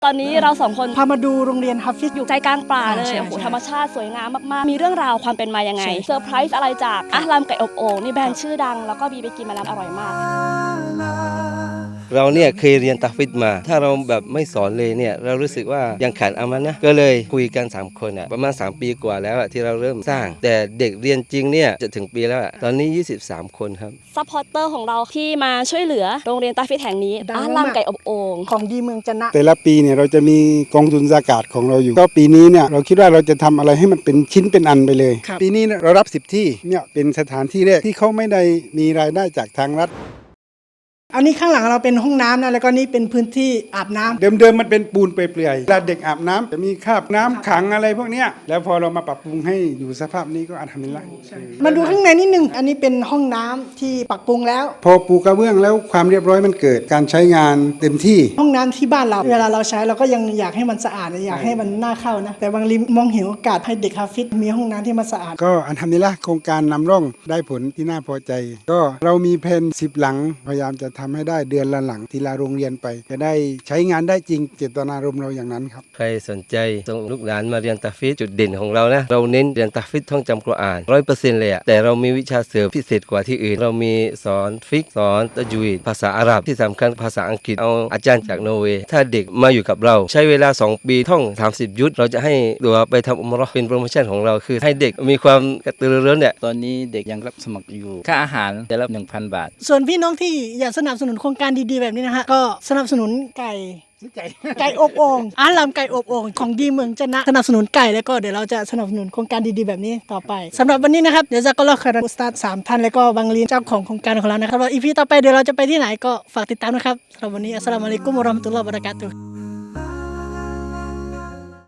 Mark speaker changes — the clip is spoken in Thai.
Speaker 1: ตอนนี้เราสองคน
Speaker 2: พามาดูโรงเรียนฮัฟฟิซ
Speaker 1: อยู่ใจกลางป่าเลย
Speaker 2: ใช่
Speaker 1: โอ้โห
Speaker 2: ใช่
Speaker 1: ธรรมชาติสวยงามมากๆมีเรื่องราวความเป็นมายังไง
Speaker 2: ใช่
Speaker 1: เซอร์ไพรส์อะไรจากอาลามไก่อบโอ่งนี่แบรนด์ชื่อดังแล้วก็บีไปกินมาแล้วอร่อยมาก
Speaker 3: เราเนี่ยเคยเรียนตักฟิดมา ถ้าเราแบบไม่สอนเลยเนี่ยเรารู้สึกว่ายังขาดอามันนะก็เลยคุยกัน3คนอ่ะประมาณ3 ปีกว่าแล้วที่เราเริ่มสร้าง แต่เด็กเรียนจริงเนี่ยจะถึงปีแล้วตอนนี้23 คนครับ
Speaker 1: ซัพพอร์เตอร์ของเราที่มาช่วยเหลือโรงเรียนตาฟิตแห่งนี้อาลามไก่อบโอ่ง
Speaker 2: ของดีเมืองจันนะ
Speaker 4: แต่ละปีเนี่ยเราจะมีกองทุนอากาศของเราอยู่ก็ปีนี้เนี่ยเราคิดว่าเราจะทำอะไรให้มันเป็นชิ้นเป็นอันไปเลย ปีนี้เนี่ยเรารับ10 ที่เนี่ยเป็นสถานที่แรกที่เขาไม่ได้มีรายได้จากทางรัฐ
Speaker 2: อันนี้ข้างหลังเราเป็นห้องน้ำนะแล้วก็นี่เป็นพื้นที่อาบน้ำ
Speaker 4: เดิมๆมันเป็นปูนเปลื่อยๆเวลาเด็กอาบน้ำจะมีคราบน้ำขังอะไรพวกเนี้ยแล้วพอเรามาปรับปรุงให้อยู่สภาพนี้ก็อัลฮัมดุลิลละห์
Speaker 2: มาดูข้างในนิดนึงอันนี้เป็นห้องน้ำที่ปรับปรุงแล้ว
Speaker 4: พอปูกระเบื้องแล้วความเรียบร้อยมันเกิดการใช้งานเต็มที่
Speaker 2: ห้องน้ำที่บ้านเราเวลาเราใช้เราก็ยังอยากให้มันสะอาดอยากให้มันน่าเข้านะแต่บางทีมองเห็นโอกาสให้เด็กฮัฟฟิซมีห้องน้ำที่มันสะอาด
Speaker 4: ก็อัลฮัมดุลิลละห์โครงการนำร่องได้ผลที่น่าพอใจ ก็เรามีแผน10 หลังพยายามจะทำให้ได้เดือนละหลังทีละโรงเรียนไป จะได้ใช้งานได้จริงเจตนารมณ์เราอย่างนั้นครับ
Speaker 3: ใครสนใจส่งลูกหลานมาเรียนตักฟิดจุดเด่นของเรานะเราเน้นเรียนตักฟิดท่องจำกุรอาน100%เลยแต่เรามีวิชาเสริมพิเศษกว่าที่อื่น เรามีสอนฟิกสอนตะจุยดภาษาอาหรับที่สำคัญภาษาอังกฤษเอาอาจารย์จากนอร์เวย์ถ้าเด็กมาอยู่กับเราใช้เวลา2 ปีท่อง30 ยุทธเราจะให้ตัวไปทำอุมเราะห์เป็นโปรโมชั่นของเราคือให้เด็กมีความกระตือรือร้นเนี่ย
Speaker 5: ตอนนี้เด็กยังรับสมัครอยู่ ค่าอาหารแต่ละ 1,000 บาท
Speaker 2: ส่วนพี่น้องที่อยากสนับสนุนโครงการดีๆแบบนี้นะฮะก็สนับสนุนไก่อบโอ่งอาลามไก่อบโอ่งของดีเมืองจันนะสนับสนุนไก่แล้วก็เดี๋ยวเราจะสนับสนุนโครงการดีๆแบบนี้ต่อไปสำหรับวันนี้นะครับเดี๋ยวจะก็รอคาราอุสตาด3 ท่านแล้วก็บังลีนเจ้าของโครงการของเรานะครับว่าอีพีต่อไปเดี๋ยวเราจะไปที่ไหนก็ฝากติดตามนะครับสำหรับวันนี้อัสสลามุอะลัยกุมวะเราะห์มะตุลลอฮ์วะบะเราะกาตุฮ์